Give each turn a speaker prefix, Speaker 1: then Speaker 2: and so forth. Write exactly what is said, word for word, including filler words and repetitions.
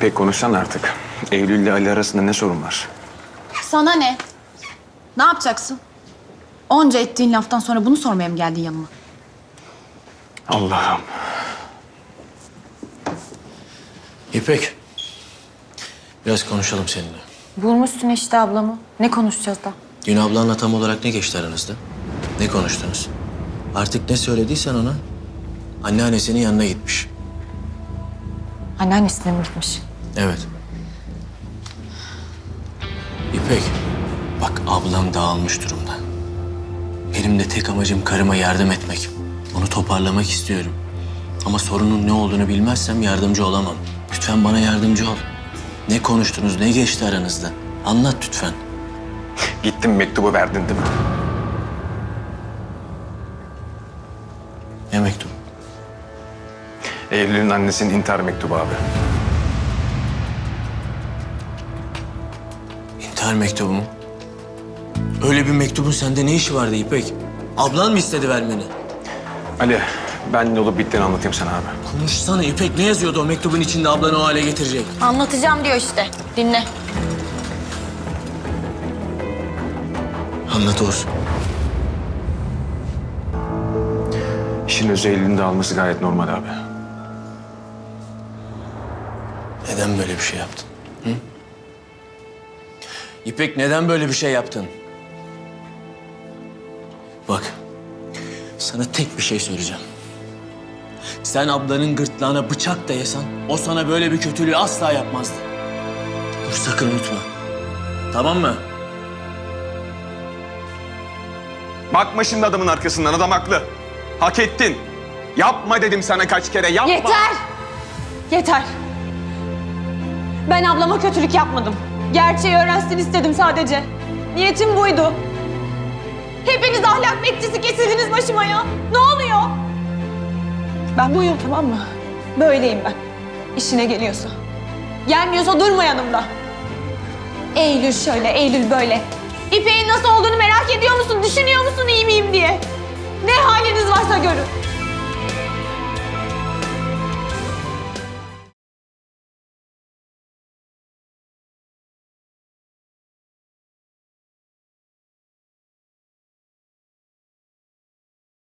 Speaker 1: İpek konuşsan artık. Eylül ile Ali arasında ne sorun var?
Speaker 2: Sana ne? Ne yapacaksın? Onca ettiğin laftan sonra bunu sormaya mı geldin yanıma?
Speaker 1: Allah'ım.
Speaker 3: İpek, biraz konuşalım seninle.
Speaker 2: Bulmuşsun işte ablamı. Ne konuşacağız da?
Speaker 3: Dün ablanla tam olarak ne geçti aranızda? Ne konuştunuz? Artık ne söylediysen ona, anneannesinin yanına gitmiş.
Speaker 2: Anneannesine mi gitmiş?
Speaker 3: Evet. İpek, bak ablam dağılmış durumda. Benim de tek amacım karıma yardım etmek. Onu toparlamak istiyorum. Ama sorunun ne olduğunu bilmezsem yardımcı olamam. Lütfen bana yardımcı ol. Ne konuştunuz, ne geçti aranızda? Anlat lütfen.
Speaker 1: Gittin mektubu verdin değil mi?
Speaker 3: Ne mektup?
Speaker 1: Eylül'ün annesinin intihar mektubu abi.
Speaker 3: İntihar mektubu mu? Öyle bir mektubun sende ne işi vardı İpek? Ablan mı istedi vermeni?
Speaker 1: Ali, ben ne olup bittiğini anlatayım sana abi.
Speaker 3: Konuşsana İpek, ne yazıyordu o mektubun içinde ablanı o hale getirecek?
Speaker 2: Anlatacağım diyor işte. Dinle.
Speaker 3: Anlat Oğuz.
Speaker 1: İşin özü Eylül'ün de alması gayet normal abi.
Speaker 3: Neden böyle bir şey yaptın? Hı? İpek, neden böyle bir şey yaptın? Bak, sana tek bir şey söyleyeceğim. Sen ablanın gırtlağına bıçak dayasan, o sana böyle bir kötülüğü asla yapmazdı. Bunu sakın unutma. Tamam mı?
Speaker 1: Bakma şimdi adamın arkasından, adam haklı. Hak ettin. Yapma dedim sana kaç kere, yapma.
Speaker 4: Yeter! Yeter! Ben ablama kötülük yapmadım. Gerçeği öğrensin istedim sadece. Niyetim buydu. Hepiniz ahlak bekçisi kesildiniz başıma ya. Ne oluyor? Ben buyum, tamam mı? Böyleyim ben. İşine geliyorsa. Gelmiyorsa durma yanımda. Eylül şöyle, Eylül böyle. İpek'in nasıl olduğunu merak ediyor musun? Düşünüyor musun iyi miyim diye? Ne haliniz varsa görün.